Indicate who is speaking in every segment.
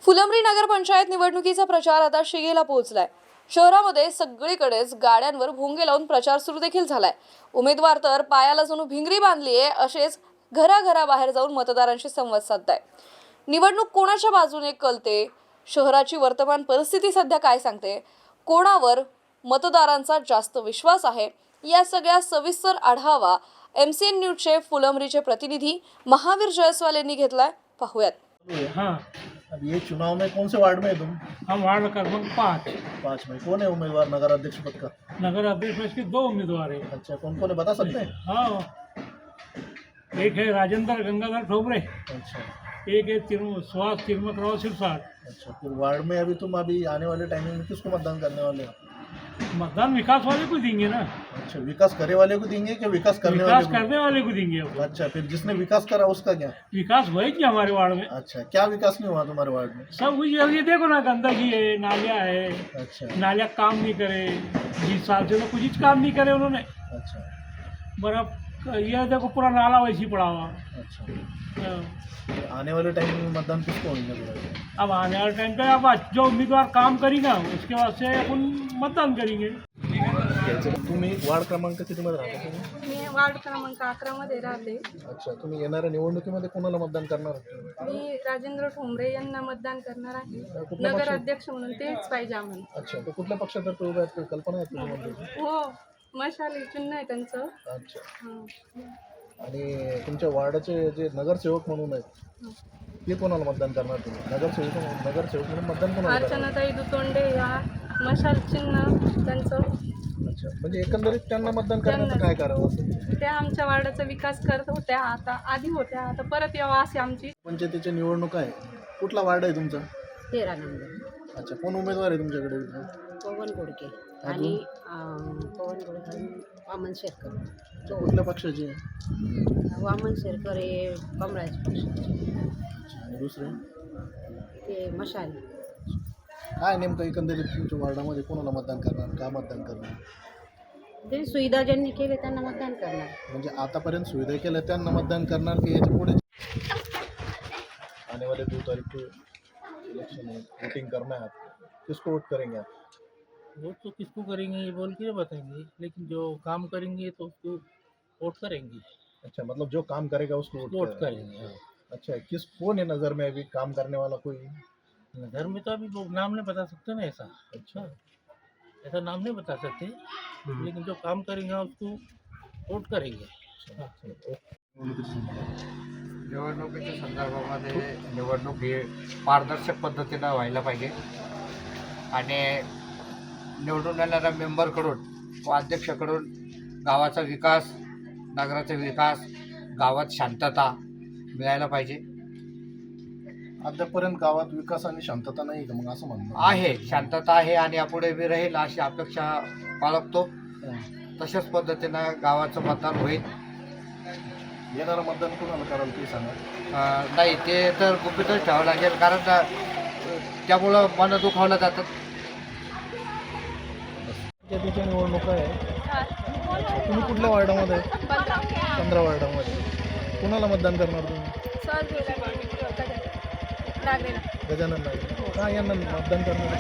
Speaker 1: फुलंब्री नगरपंचायत निवडणुकीचा प्रचार आता शिगेला पोहोचलाय। शहरामध्ये सगळीकडेच गाड्यांवर भोंगे लावून प्रचार सुरू देखील झालाय। उमेदवार तर पायाला जणू भिंगरी बांधली आहे असेच घराघराबाहेर जाऊन मतदारांशी संवाद साधताय। निवडणूक कोणाच्या बाजूने कलते, शहराची वर्तमान परिस्थिती सध्या काय सांगते, कोणावर मतदारांचा जास्त विश्वास आहे, या सगळ्या सविस्तर आढावा MCN न्यूजचे फुलंब्रीचे प्रतिनिधी महावीर जयस्वाल यांनी घेतलाय। पाहूयात।
Speaker 2: हाँ,
Speaker 3: अब ये चुनाव में कौन से वार्ड में है तुम?
Speaker 2: हम वार्ड क्रमांक 5
Speaker 3: 5 में। कौन है उम्मीदवार नगर अध्यक्ष पद का?
Speaker 2: नगर अध्यक्ष में इसके 2 उम्मीदवार हैं।
Speaker 3: अच्छा, कौन कौन है बता सकते हैं?
Speaker 2: हाँ, एक है राजेंद्र गंगाधर ठोबरे,
Speaker 3: अच्छा
Speaker 2: एक है सुहास तिरमतराव सिरसाट।
Speaker 3: अच्छा, फिर वार्ड में अभी आने वाले टाइमिंग में किसको मतदान करने वाले हो?
Speaker 2: मतदान विकास वाले को देंगे ना,
Speaker 3: अच्छा, विकास करे वाले को देंगे कि विकास करने
Speaker 2: विकास
Speaker 3: वाले को?
Speaker 2: करने वाले को देंगे अब।
Speaker 3: अच्छा, फिर जिसने विकास करा उसका क्या?
Speaker 2: विकास वही हमारे वार्ड में
Speaker 3: अच्छा, क्या विकास नहीं हुआ तुम्हारे वार्ड में?
Speaker 2: सब कुछ। ये देखो ना, गंदगी है, नालियाँ है,
Speaker 3: अच्छा
Speaker 2: नालियाँ काम नहीं करे, 20 साल से तो कुछ काम नहीं करे उन्होंने।
Speaker 3: अच्छा
Speaker 2: बर्फ ये देखो पूरा नाला वैसी पड़ा हुआ।
Speaker 3: अच्छा,
Speaker 2: हाँ।
Speaker 3: फिर आने वाले टाइम में मतदान किसको होंगे तुम्हारे?
Speaker 2: अब आने वाले टाइम पे अब जो उम्मीदवार काम करेगा उसके बाद से अपन मतदान करेंगे।
Speaker 3: तुम्ही वार्ड क्रमांक कितीमध्ये राहता तुम्ही?
Speaker 4: मी वार्ड क्रमांक 11 मध्ये राहते।
Speaker 3: अच्छा, तुम्ही येणाऱ्या निवडणुकीमध्ये कोणाला मतदान करणार आहात?
Speaker 4: मी राजेंद्र ठोंबरे यांना मतदान करणार आहे।
Speaker 3: कुठल्या
Speaker 4: नगर
Speaker 3: पक्षात?
Speaker 4: अध्यक्ष म्हणून तेच पाहिजे आम्हाला।
Speaker 3: अच्छा, तो कुठल्या पक्षातर्फे उभे आहेत? काही कल्पना आहे तुम्हाला?
Speaker 4: हो, मशाली चिन्ह आहे त्यांचं।
Speaker 3: अच्छा,
Speaker 4: हं.
Speaker 3: आणि तुमच्या वार्डाचे जे नगरसेवक म्हणून आहेत ते कोणाला मतदान करणार तुम्ही? नगरसेवक म्हणून मतदान कोणाला करणार?
Speaker 4: अर्चनाताई दुतोंडे या मशाल चिन्ह त्यांचं।
Speaker 3: अच्छा, म्हणजे एकंदरीत त्यांना मतदान करण्याचं काय करावं असं?
Speaker 4: त्या आमच्या वार्डाचा विकास करत होत्या, आता आधी होत्या, आता परत यावा अशी आमची।
Speaker 3: पंचायतीच्या निवडणूक आहे, कुठला वार्ड आहे तुमचा?
Speaker 5: 13 नंबर
Speaker 3: अच्छा, कोण उमेदवार आहे तुमच्याकडे?
Speaker 5: पवन गोडके आणि पवन गोडके आणि वामन शेरकर।
Speaker 3: तो कुठल्या पक्षाची आहे?
Speaker 5: वामन शेरकर हे कमळाचे पक्षाचे,
Speaker 3: आणि दुसरे
Speaker 5: ते मशाल।
Speaker 3: काय नेमकं एकंदरीत तुमच्या वार्डामध्ये कोणाला मतदान करणार, का मतदान करणार?
Speaker 5: ते सुविधा ज्यांनी केले त्यांना मतदान करणार।
Speaker 3: म्हणजे आतापर्यंत सुविधा केल्या त्यांना मतदान करणार की याच्या पुढे? आने वाले 2 तारीख को इलेक्शन है, वोटिंग करना है, किसको वोट करेंगे आप?
Speaker 6: वोट तो किसको करेंगे ये बोल के नहीं बताएंगे, लेकिन जो काम करेंगे तो उसको वोट करेंगे।
Speaker 3: अच्छा, मतलब जो काम करेगा उसको
Speaker 6: वोट करेंगे हाँ।
Speaker 3: अच्छा, किस कौन है नज़र में अभी काम करने वाला कोई?
Speaker 6: घर में तो अभी लोग नाम नहीं बता सकते ना ऐसा।
Speaker 3: अच्छा
Speaker 6: ऐसा नाम नहीं बता सकते, लेकिन जो काम करेंगे उसको वोट करेंगे।
Speaker 7: निवडणुकीच्या संदर्भामध्ये निवडणूक ही पारदर्शक पद्धतीनं व्हायला पाहिजे आणि निवडून येणाऱ्या मेंबरकडून व अध्यक्षकडून गावाचा विकास, नगराचा विकास, गावात शांतता मिळायला पाहिजे।
Speaker 3: अद्यापर्यंत गावात विकास आणि शांतता नाही का? मग असं म्हणणं
Speaker 7: आहे, शांतता आहे आणि यापुढे बी राहील अशी अपेक्षा बाळगतो। तशाच पद्धतीनं गावाचं मतदान होईल।
Speaker 3: येणारं मतदान कोणाला कराल ते सांगा?
Speaker 7: नाही, ते तर गुपितच ठेवावं लागेल, कारण त्यामुळं मन दुखावलं जातं।
Speaker 3: पंचायतीच्या निवडणूक आहे, तुम्ही कुठल्या वार्डामध्ये? 15 वार्डामध्ये। कोणाला मतदान करणार तुम्ही? गजानन नागरे। का यांना मतदान करणार?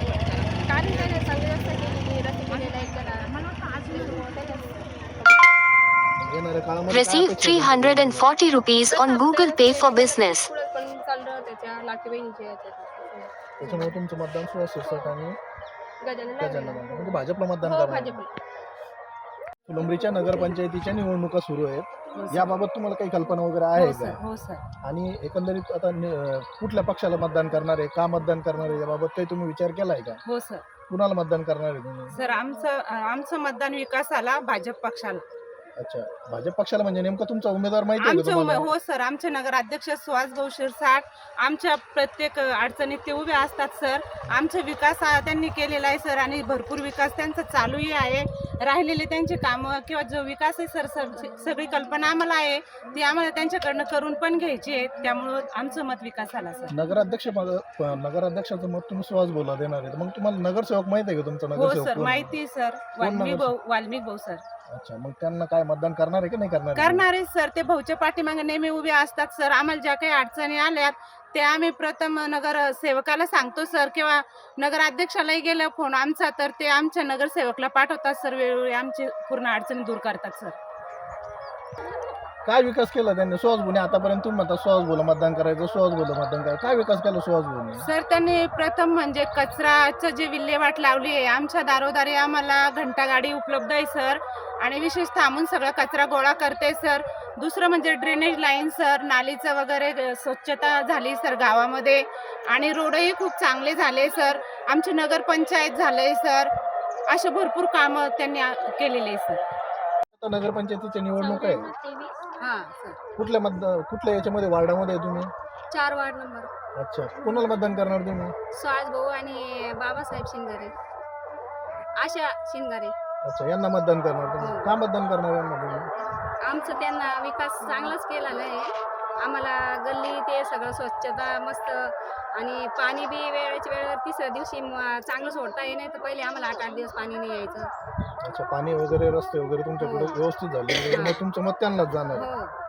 Speaker 3: येणाऱ्या काळामध्ये
Speaker 8: Receive 340 rupees on Google Pay for Business.
Speaker 4: पण चाललं त्याच्या लाटी बहिणीचे
Speaker 3: त्याच्यामुळे तुमचं मतदान सुहास शिरसाट आणि गजानन नागरे, म्हणजे भाजपला मतदान
Speaker 4: हो,
Speaker 3: करणार?
Speaker 4: भाजपला।
Speaker 3: फुलंब्रीच्या नगरपंचायतीच्या निवडणुका सुरू आहेत, याबाबत तुम्हाला काही कल्पना वगैरे आहे का?
Speaker 5: हो सर।
Speaker 3: आणि एकंदरीत आता कुठल्या पक्षाला मतदान करणार आहे, का मतदान करणार आहे, याबाबत काही तुम्ही विचार केलाय का?
Speaker 9: हो सर।
Speaker 3: कुणाला मतदान करणार आहे तुम्ही?
Speaker 9: सर आमचं मतदान विकासाला भाजप पक्षाला।
Speaker 3: अच्छा, भाजप पक्षाला म्हणजे नेमकं तुमचा उमेदवार माहिती आहे का तुम्हाला?
Speaker 9: हो सर, आमचे नगराध्यक्ष सुहास भाऊ शिरसाट आमच्या प्रत्येक अडचणीत ते उभे असतात सर। आमचा विकास त्यांनी केलेला आहे सर, आणि भरपूर विकास त्यांचा चालूही आहे। राहिलेले त्यांचे कामं किंवा जो विकास आहे सर, सगळी कल्पना आम्हाला आहे, ती आम्हाला त्यांच्याकडनं करून पण घ्यायची आहे, त्यामुळं आमचं मत विकासाला सर।
Speaker 3: नगराध्यक्षाचं मत तुम्ही सुहास भाऊला देणार आहे, मग तुम्हाला नगरसेवक माहिती आहे का तुमचा
Speaker 9: हो
Speaker 3: नगरसेवक?
Speaker 9: सर, माहिती आहे सर, वाल्मिक भाऊ सर।
Speaker 3: अच्छा, मग त्यांना काय मतदान करणार आहे की नाही करणार?
Speaker 9: करणारे सर, ते भाऊच्या पाठीमागे नेहमी उभे असतात सर। आम्हाला ज्या काही अडचणी आल्यात ते आम्ही प्रथम नगरसेवकाला सांगतो सर, किंवा नगराध्यक्षालाही गेलं फोन आमचा तर ते आमच्या नगरसेवकला पाठवतात सर, वेळोवेळी आमची पूर्ण अडचणी दूर करतात सर.
Speaker 3: काय विकास केला त्यांनी सुहास भाऊने आतापर्यंत? तुम्ही म्हणता सुहास भाऊला मतदान करायचं, सुहास भाऊला मतदान करायचं, काय विकास केला सुहास भाऊने?
Speaker 9: सर त्यांनी प्रथम म्हणजे कचराचं जे विल्हेवाट लावली आहे, आमच्या दारोदारी आम्हाला घंटागाडी उपलब्ध आहे सर, आणि विशेष थांबून सगळा कचरा गोळा करते सर. दुसरं म्हणजे ड्रेनेज लाईन सर, नालीचं वगैरे स्वच्छता झाली सर गावामध्ये, आणि रोडही खूप चांगले झाले सर. आमची नगरपंचायत झाले सर. असे भरपूर कामं त्यांनी केलेले आहे सर.
Speaker 3: आता नगरपंचायतीची निवडणूक आहे,
Speaker 5: हां सर.
Speaker 3: कुठल्या याच्यामध्ये वार्डामध्ये आहे तुम्ही?
Speaker 5: 4 वार्ड नंबर.
Speaker 3: अच्छा, कोणाला मतदान करणार तुम्ही?
Speaker 5: सुहास भाऊ आणि बाबासाहेब शिंगारे, आशा शिंगारे.
Speaker 3: अच्छा, यांना मतदान करणार तुम्ही? का मतदान करणार यांना तुम्ही?
Speaker 5: आमचं त्यांना विकास चांगलाच केलेला आहे. आम्हाला गल्ली ते सगळं स्वच्छता मस्त, आणि पाणी बी वेळेच्या वेळेवर 3ऱ्या दिवशी चांगलं सोडता येईल, नाही तर पहिले आम्हाला 8-8 दिवस पाणी नाही यायचं.
Speaker 3: अच्छा, पाणी वगैरे रस्ते वगैरे तुमच्याकडे व्यवस्थित झाले, मग तुमचं मत त्यांनाच जाणार.
Speaker 5: हो.